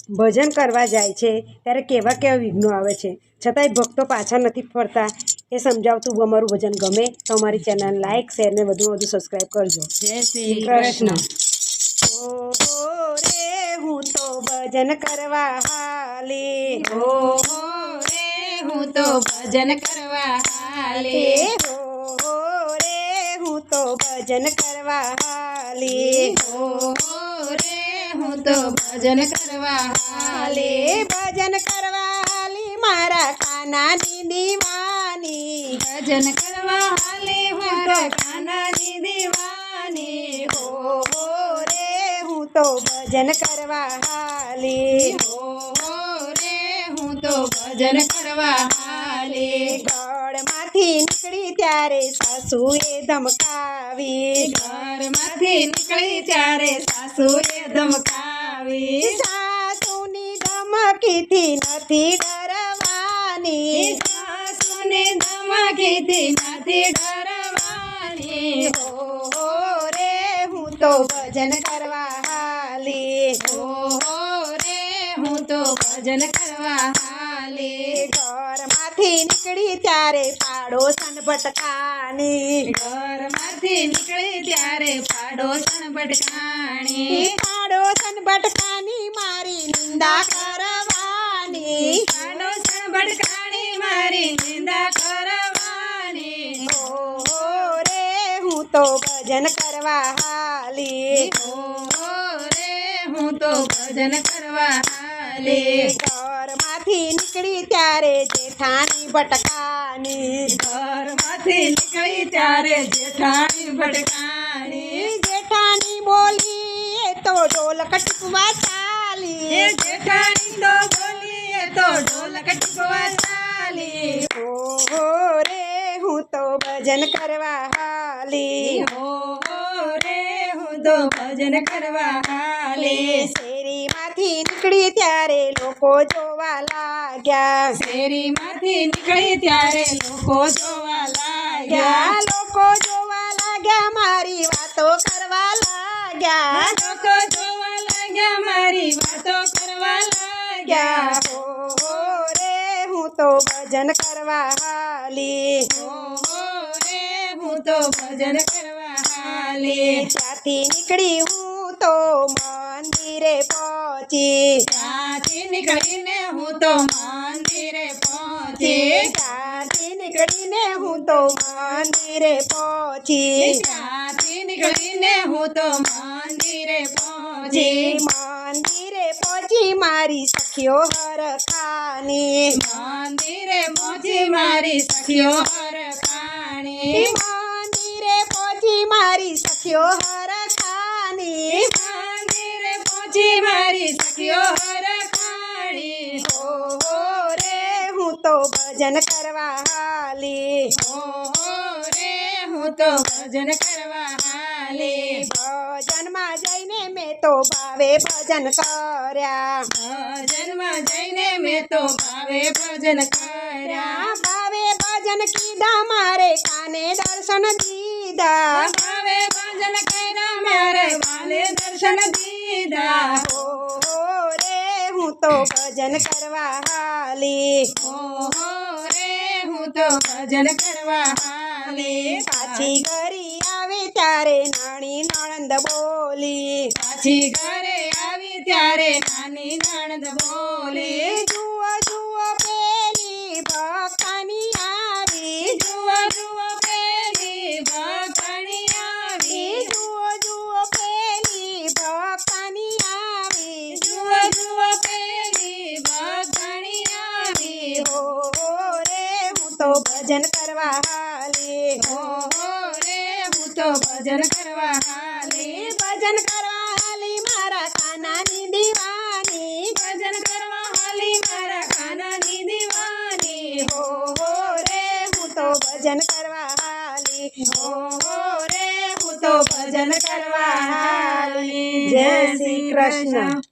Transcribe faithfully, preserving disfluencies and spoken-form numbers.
ભજન કરવા જાય છે ત્યારે કેવા કેવા વિઘ્નો આવે છે, છતાંય ભક્તો પાછા નથી ફરતા એ સમજાવતું અમારું ભજન ગમે તો અમારી ચેનલ લાઈક શેર ને વધુ વધુ સબસ્ક્રાઈબ કરજો. જય શ્રી કૃષ્ણ. ઓહો રે હું તો ભજન કરવા હાલી, ઓહો રે હું તો ભજન કરવા હાલી, ઓહો રે હું તો ભજન કરવા હાલી, ઓહો રે હું તો ભજન કરવા હાલી, ભજન કરવા હાલી મારા કાનાની દીવાની, ભજન કરવા હાલી મારા કાનાની દીવાની, ઓહો રે હું તો ભજન કરવા હાલી, ઓહો રે હું તો ભજન કરવા હાલી, ઘરમાંથી નીકળી ત્યારે સાસુએ ધમકાવી, ઘરમાંથી નીકળી ત્યારે સાસુએ ધમકાવી, સાસુની ધમકીથી નથી ડરવાની, સાસુની ધમકીથી નથી ડરવાની, ઓહો રે હું તો ભજન કરવા હાલી, ઓહો રે હું તો ભજન કરવા હાલી, ઘરમાંથી નીકળી ત્યારે પાડોશન ભટકાની, ઘરમાંથી નીકળી ત્યારે પાડોશન ભટકાણી, પાડોશન ભટકાની મારી નિંદા કરવાની, પાડોશન ભટકાણી મારી નિંદા કરવાની, ઓહો રે હું તો ભજન કરવા હાલી, ઓહો રે હું તો ભજન કરવા હાલી, ઘરમાંથી નીકળી ત્યારે જેઠાણી ભટકાની, ઘરમાંથી નીકળી ત્યારે જેઠાણી ભટકાણી, જેઠાણી બોલી એ તો ઢોલક ટીપવા ચાલી, એ જેઠાણી તો બોલી એ તો ઢોલક ટીપવા ચાલી, ઓહો રે હું તો ભજન કરવા હાલી, ઓહો રે હું તો ભજન કરવા હાલી, શેરીમાંથી નીકળી ત્યારે લોકો જોવા લાગ્યા, શેરીમાંથી નીકળી ત્યારે લોકો જોવા લાગ્યા, લોકો જોવા લાગ્યા મારી વાતો કરવા લાગ્યા, લોકો જોવા લાગ્યા મારી વાતો કરવા લાગ્યા, ઓહો રે હું તો ભજન કરવા હાલી, ઓહો રે હું તો ભજન કરવા હાલી, ત્યાંથી નીકળી હું તો મંદિરે પહોંચી, ત્યાંથી નીકળીને હું તો મંદિરે પહોંચી, ત્યાંથી નીકળીને હું તો મંદિરે પહોંચી, ત્યાંથી નીકળીને હું તો મંદિરે પહોંચી, મંદિરે પહોંચી મારી સખીઓ હરખાની, મંદિરે પહોંચી મારી સખીઓ હરખાણી, મંદિરે પહોંચી મારી સખીઓ હરખાની, મંદિરે પહોંચી મારી સખીઓ હરખાણી, ઓહો રે હું તો ભજન કરવા હાલી, ઓહો રે હું તો ભજન કરવા હાલી, ભજનમાં જઈને મેં તો ભાવે ભજન કર્યા, ભજનમાં જઈને મેં તો ભાવે ભજન કર્યા, ભાવે ભજન કીધા મારે કાને દર્શન દીધા, ભાવે ભજન કર્યા મારે વાલે દર્શન દીધા, ઓહો રે હું તો ભજન કરવા હાલી, ઓહો રે હું તો ભજન કરવા હાલી, પાછી ઘરી આવે ત્યારે નાની નણંદ બોલી, પાછી ઘરે આવી ત્યારે નાની નણંદ બોલી, જુઓ જુઓ પેલી ભક્તાની આવી, જુઓ જુઓ પેલી ભક્તાણી આવી, જુઓ જુઓ પેલી ભક્તાની આવી, જુઓ જુઓ પેલી ભક્તાણી આવી, ઓહો રે હું તો ભજન કરવા હાલી, ઓહો રે હું તો ભજન કરવા હાલી, ભજન કરવા હાલી મારા કાનાની દીવાની, ભજન કરવા હાલી મારા કાનાની દીવાની, ઓહો રે હું તો ભજન કરવા હાલી, ઓહો રે હું તો ભજન કરવા હાલી. જય શ્રી કૃષ્ણ.